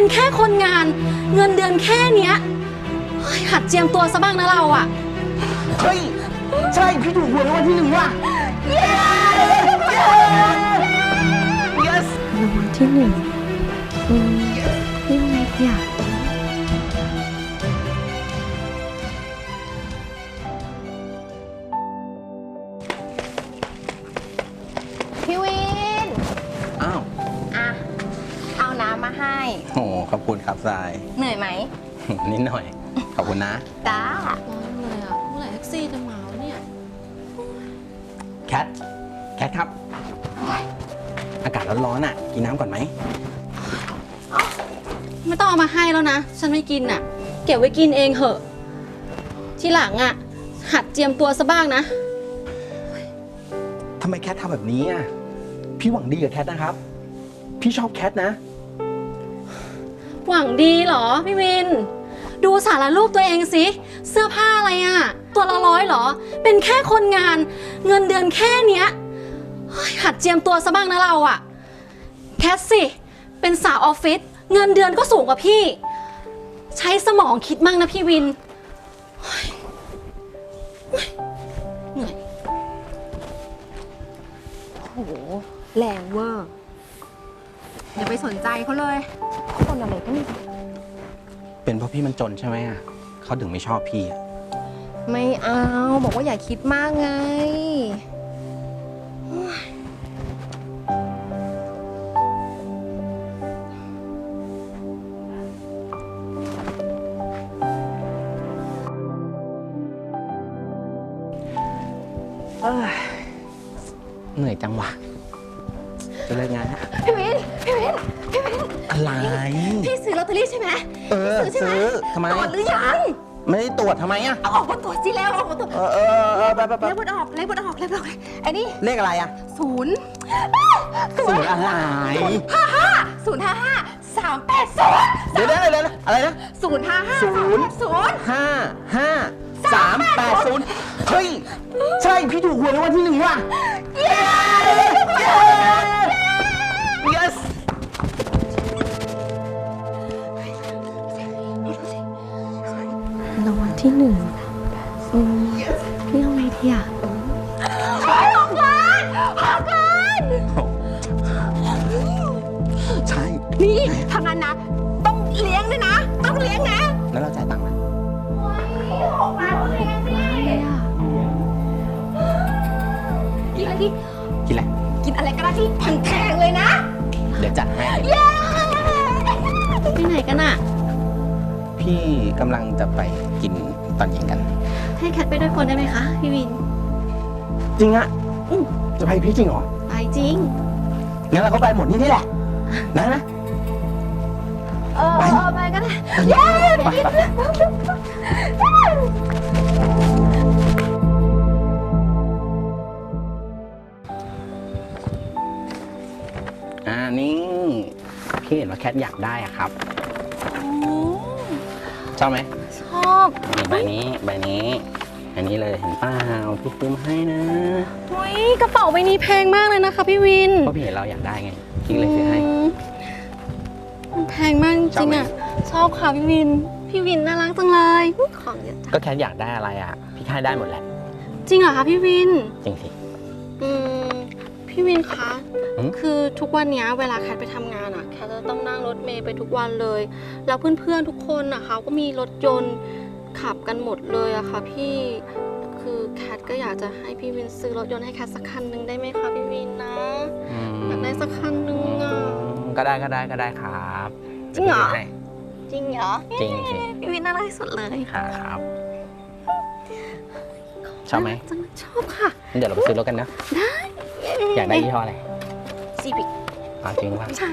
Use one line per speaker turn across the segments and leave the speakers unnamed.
เป็นแค่คนงานเงินเดือนแค่เนี้ยหัดเจียมตัวซะบ้างนะเราอ่ะ
เฮ้ยใช่พี่ถูกหวยรางวัลที่ 1ว่ะ yes
รางวัลที่ 1เรื่องอะไรเนี่ย
พี่วิน
อ้าว
อ่ะ เอาน้ำมาให้
โอ้ขอบคุณครับทราย
เหนื่อยไหม
นิดหน่อย ขอบคุณนะ
จ้า
ร้อนเลยอ่ะเมื่อไหร่แท็กซี่จะมาวะเนี่ย
แคทครับ อากาศร้อนๆอ่ะ กินน้ำก่อนไหม
ไม่ต้องเอามาให้แล้วนะฉันไม่กินอ่ะเก็บไว้กินเองเหอะทีหลังอ่ะหัดเจียมตัวซะบ้างนะ
ทำไมแคททำแบบนี้อ่ะ พี่หวังดีกับแคทนะครับ พี่ชอบแคทนะ
หวังดีเหรอพี่วิน ดูสารรูปตัวเองสิเสื้อผ้าอะไรอ่ะตัวละ100เหรอเป็นแค่คนงานเงินเดือนแค่เนี้ยหัดเจียมตัวซะบ้างนะเราอ่ะแคทสิเป็นสาวออฟฟิศเงินเดือนก็สูงกว่าพี่ใช้สมองคิดมั่งนะพี่วินเหนื่อย
โอ้โห แรงเวอร์อย่าไปสนใจเขาเลยคนอะไรก็ไม่รู้
เป็นเพราะพี่มันจนใช่ไหมอ่ะเขาถึงไม่ชอบพี่อ่ะ
ไม่เอา บอกว่าอย่าคิดมากไง
เหนื่อยจังวะจะเลิกงานแล้ว
พี่วิน
อะไร
พี่ซื้อลอตเตอรี่ใช่ไหม
ซื้อทำไม
ตรวจหรือยัง
ไม่ได้ตรวจทำไมอ่ะ
เอาออกมาตรวจสิแล้วเอาออกมาตรวจ
ไป
เลขบนออกไอ้นี่
เลขอะไรอ่ะ
ศูนย์
ศูนย์อะไร
055 380
เดี๋ยวอะไรนะ
055 380
55380 เฮ้ย ใช่ พี่ถูกหวยรางวัลที่ 1ว่ะ yes
รางวัลที่ 1เรื่องอะไรดีอ่ะ
6 ล้าน
ใช่
นี่ทางนั้นนะ ต้องเลี้ยงด้วยนะ ต้องเลี้ยงนะ
แล้วเราจ่ายตังค์นะ
6 ล้านต้องเลี้ยงดิกินอะไรดิ
กินอะไร
กินอะไรก็ได้ที่แพงๆเลยนะ
เดี๋ยวจัดให้
เย้
ไปไหนกันอ่ะ
พี่กำลังจะไปกินตอนเย็นกัน
ให้แคทไปด้วยคนได้ไหมคะพี่วิน
จริงอะจะไปพี่จริงเหรอ
ไปจริง
งั้นเราก็ไปหมดนี่แหละ นะ
ไปก็ได้เย้
ไปนี่พี่เห็นว่าแคทอยากได้อะครับ ชอบไหม
ชอบ
นี่ใบนี้อันนี้เลยเห็นเปล่าพี่ซื้อมาให้นะ
เฮ้ยกระเป๋าใบนี้แพงมากเลยนะคะพี่วิน
เพราะพี่เห็นเราอยากได้ไงพี่เลยซื้อให้
มันแพงมากจริงๆอ่ะ ชอบค่ะพี่วิน พี่วินน่ารักจังเลยของเยอะจัง
ก็แคทอยากได้อะไรอ่ะ พี่ให้ได้หมดแหละ
จริงเหรอคะพี่วิน
จริงสิ
พี่วินคะ
อืม
คือทุกวันนี้เวลาแคทไปทำงานอ่ะแคทจะต้องนั่งรถเมล์ไปทุกวันเลย แล้วเพื่อนๆทุกคนอ่ะเขาก็มีรถยนต์ขับกันหมดเลยอะค่ะพี่คือแคทก็อยากจะให้พี่วินซื้อรถยนต์ให้แคทสักคันหนึ่งได้ไหมคะพี่วินนะอยากได้สักคันหนึ่งอ่ะ
ก็ได้ครับ
จริงเหรอ
ดี๋ยวพี่ให้
จริงเหรอ
จริงสิ
พี่วินน่ารักที่สุดเลย
ครับชอบไหม
จังชอบค่ะ
งั้นเดี๋ยวเราไปซื้อรถกันนะ
ได้
อยากได้ยี่ห้ออะไร
ซีบิก
จริงป่ะ
ใช่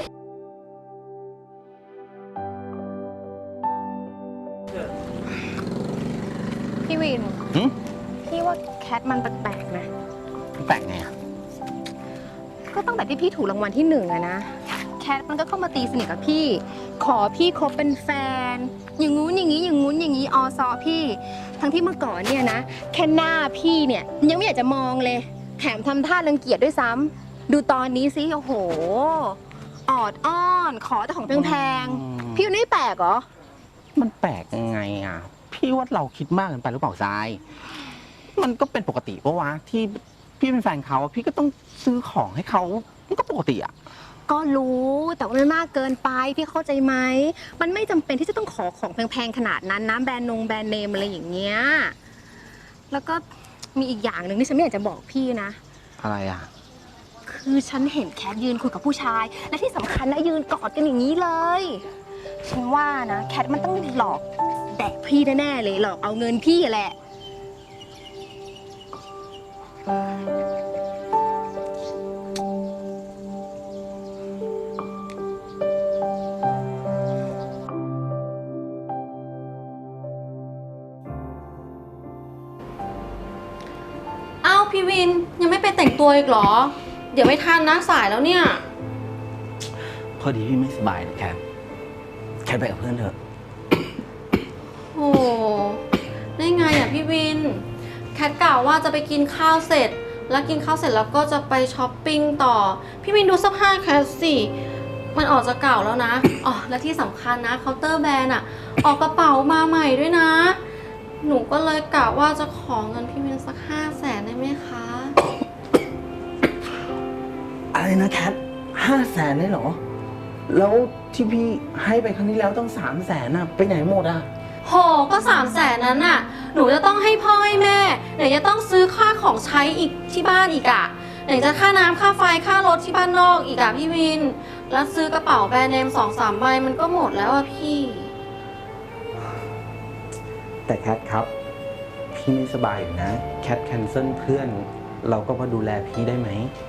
พี่วิน
หืม
พี่ว่าแคทมันแปลกๆนะ
แปลกไงอ่ะ
ก็ตั้งแต่ที่พี่ถูกรางวัลที่1อะนะ แคทมันก็เข้ามาตีสนิทกับพี่ ขอพี่คบเป็นแฟน อย่างงู้นอย่างนี้อย่างงู้นอย่างนี้อซอพี่ ทั้งที่เมื่อก่อนเนี่ยนะ แค่หน้าพี่เนี่ยยังไม่อยากจะมองเลย แถมทำท่ารังเกียจด้วยซ้ำดูตอนนี้สิโอ้โหออดอ้อนขอแต่ของแพงๆพี่ไม่แปลกเหรอ
มันแปลกยังไงอ่ะ พี่ว่าเราคิดมากเกินไปหรือเปล่าทราย มันก็เป็นปกติปะวะที่พี่เป็นแฟนเขาพี่ก็ต้องซื้อของให้เขามันก็ปกติอ่ะ
ก็รู้แต่ว่าไม่มากเกินไปพี่เข้าใจไหมมันไม่จำเป็นที่จะต้องขอของแพงๆขนาดนั้นนะแบรนด์เนมอะไรอย่างเงี้ยแล้วก็มีอีกอย่างหนึ่งที่ฉันไม่อยากจะบอกพี่นะ
อะไรอ่ะ
คือฉันเห็นแคทยืนคุยกับผู้ชาย และที่สำคัญนะยืนกอดกันอย่างนี้เลย ฉันว่านะแคทมันต้องหลอกแดกพี่แน่ๆเลยหลอกเอาเงินพี่แหละ
เอ้าพี่วินยังไม่ไปแต่งตัวอีกเหรอ เดี๋ยวไม่ทันนะสายแล้วเนี่ย
พอดีพี่ไม่สบายนะแคทไปกับเพื่อนเถอะ
โอ้ได้ไงอ่ะพี่วิน แคทกล่าวว่าจะไปกินข้าวเสร็จ แล้วกินข้าวเสร็จแล้วก็จะไปช้อปปิ้งต่อ พี่วินดูเสื้อผ้าแคทสิ มันออกจะเก่าแล้วนะ อ๋อ และที่สำคัญนะเคาน์เตอร์แบรนด์อ่ะ ออกกระเป๋ามาใหม่ด้วยนะ หนูก็เลยกะว่าจะขอเงินพี่วินสัก500,000ได้ไหมคะ
อะไรนะแคท500,000ได้เหรอ แล้วที่พี่ให้ไปครั้งที่แล้วต้อง300,000น่ะไปไหนหมดอ่ะ
โหก็300,000นั้นน่ะ หนูจะต้องให้พ่อให้แม่ไหนจะต้องซื้อค่าของใช้อีกที่บ้านอีกอะไหนจะค่าน้ำค่าไฟค่ารถที่บ้านนอกอีกอะพี่วิน แล้วซื้อกระเป๋าแบรนด์เนม2-3 ใบมันก็หมดแล้วอะพี่
แต่แคทครับ พี่ไม่สบายอยู่นะ แคทแคนเซิลเพื่อน เราก็มาดูแลพี่ได้ไหม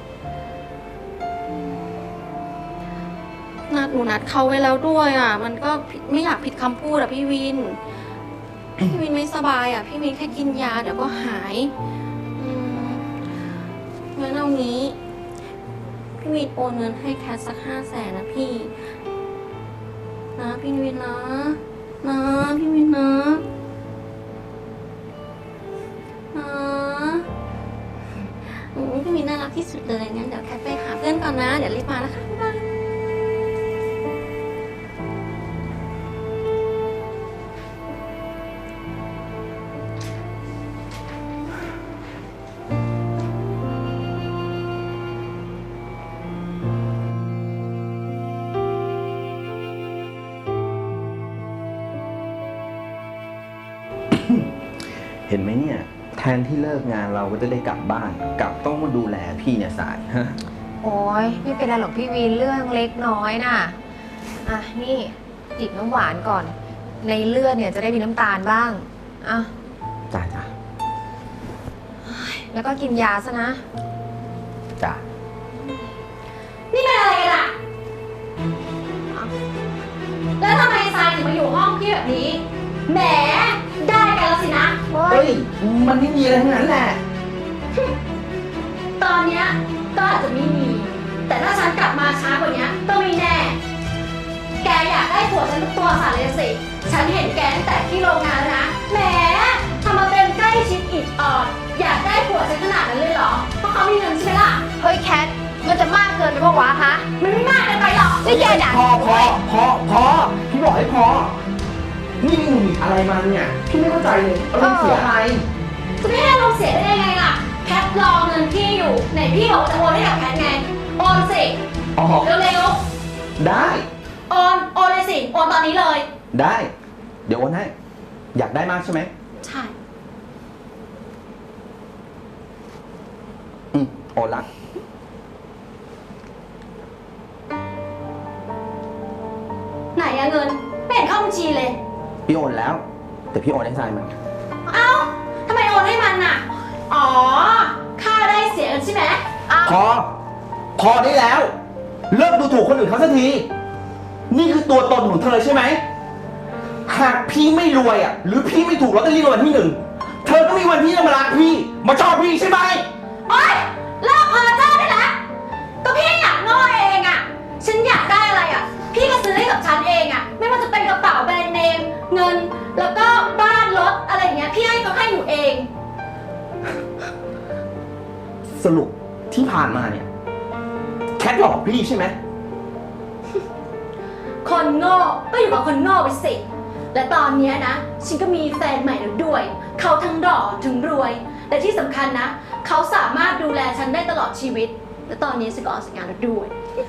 หนูนัดเขาไว้แล้วด้วยอะมันก็ไม่อยากผิดคำพูดอะพี่วิน พี่วินไม่สบายอะพี่วินแค่กินยาเดี๋ยวก็หายงั้นเอางี้ พี่วินโอนเงินให้แคทสัก500,000นะพี่นะพี่วินนะพี่วินนะพี่วินน่ารักที่สุดเลยงั้นเดี๋ยวแคทไปหาเพื่อนก่อนนะเดี๋ยวรีบมานะคะบ๊ายบาย
เห็นไหมเนี่ย แทนที่เลิกงานเราก็จะได้กลับบ้าน กลับต้องมาดูแลพี่เนี่ยสายฮะ
โอ้ยไม่เป็นไรหรอกพี่วินเรื่องเล็กน้อยน่ะอ่ะนี่จิบน้ำหวานก่อน ในเลือดเนี่ยจะได้มีน้ำตาลบ้างอ่ะ
จ้า
แล้วก็กินยาซะนะ
จ้า
นี่เป็นอะไรกันอะแล้วทำไมทรายถึงมาอยู่ห้องพี่แบบนี้แหมได้กันแล้วสินะ
เฮ้ย มันไม่มีอะไรทั้งนั้นแหละ
ตอนเนี้ยก็อาจจะไม่มี แต่ถ้าฉันกลับมาช้ากว่านี้ก็ไม่แน่ แกอยากได้ผัวฉันตัวสั่นเลยสิ ฉันเห็นแกตั้งแต่ที่โรงงานแล้วนะแหมทำมาเป็นใกล้ชิดอิดออดอยากได้ผัวฉันขนาดนั้นเลยเหรอ เพราะเขามีเงินใช่ไหมล่ะ
เฮ้ยแคทมันจะมากเกินไปปะวะฮะ
มันไม่มากเกินไปหรอก
นี่แกด่า
พอ พี่บอกให้พอ นี่มึงอะไรมาเนี่ย พี่ไม่เข้าใจเลยอารมณ์เสียอะไร
จะไม่ให้อารมณ์เสียได้ยังไงล่ะ แคทรอเงินพี่อยู่ไหนพี่บอกจะโอนให้กับแคทไงโอนสิ
อ๋อ
เร็ว
ได้
ๆโอนเลยสิโอนตอนนี้เลย
ได้ เดี๋ยวโอนให้ อยากได้มากใช่ไหม
ใช่
โอนละ
ไหนอะเงินไม่เห็นเข้าบัญชีเลย
พี่โอนแล้ว แต่พี่โอนให้ทรายมัน
เอ้าทำไมโอนให้มันน่ะ อ๋อ ค่าได้เสียกันใช่ไหม
พอได้แล้ว เลิกดูถูกคนอื่นเขาสักที นี่คือตัวตนของเธอใช่ไหม หากพี่ไม่รวยอ่ะ หรือพี่ไม่ถูกลอตเตอรี่รางวัลที่ 1 เธอก็มีวันที่จะมารักพี่ มาชอบพี่ใช่ไหม
โอ๊ยเลิกเพ้อเจ้อได้แล้วก็พี่อยากง้อเองอะฉันอยากได้อะไรอะพี่ก็ซื้อให้กับฉันเองอะไม่ว่าจะเป็นกระเป๋าแบรนด์เนม เงิน แล้วก็บ้านรถอะไรอย่างเงี้ย พี่ให้เขาให้หนูเอง
สรุปที่ผ่านมาเนี่ย แคทหลอกพี่ใช่ไหม
โง่ก็อยู่กับคนโง่ไปสิ และตอนเนี้ยนะ ฉันก็มีแฟนใหม่แล้วด้วย เขาทั้งหล่อทั้งรวย แต่ที่สำคัญนะ เขาสามารถดูแลฉันได้ตลอดชีวิต และตอนนี้ฉันก็ออกจากงานแล้วด้วย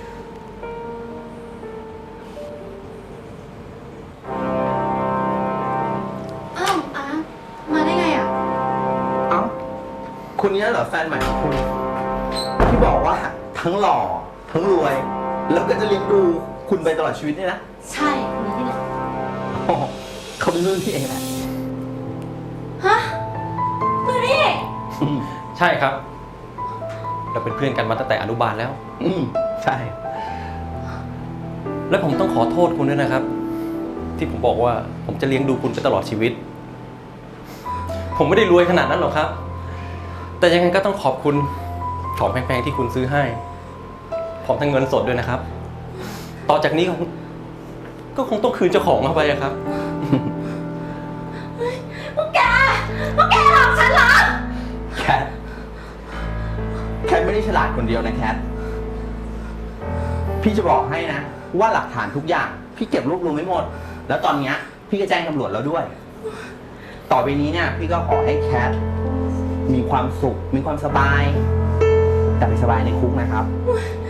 อ้าวอาร์ตมาได้ไงอ่ะ
เอ้าคุณเนี้ยเหรอแฟนใหม่ของคุณ ที่บอกว่าทั้งหล่อทั้งรวย แล้วก็จะเลี้ยงดูคุณไปตลอดชีวิตเนี่ยนะ
ใช่คนนี้นี่แหละ
อ๋อเขาเป็นรุ่นพี่เองแหละ
ฮะมือนี่
ใช่ครับ เราเป็นเพื่อนกันมาตั้งแต่อนุบาลแล้ว
ใช่
และผมต้องขอโทษคุณด้วยนะครับ ที่ผมบอกว่าผมจะเลี้ยงดูคุณไปตลอดชีวิต ผมไม่ได้รวยขนาดนั้นหรอกครับ แต่ยังไงก็ต้องขอบคุณของแพงๆที่คุณซื้อให้พร้อมทั้งเงินสดด้วยนะครับ ต่อจากนี้ก็คงต้องคืนเจ้าของเข้าไปอะครับ
พวกแกหลอกฉันเหรอ
แคท แคทไม่ได้ฉลาดคนเดียวนะแคท พี่จะบอกให้นะ ว่าหลักฐานทุกอย่าง พี่เก็บรวบรวมไว้หมด แล้วตอนเนี้ยพี่ก็แจ้งตำรวจแล้วด้วย ต่อไปนี้เนี่ย พี่ก็ขอให้แคทมีความสุข มีความสบาย แต่ไปสบายในคุกนะครับ
โ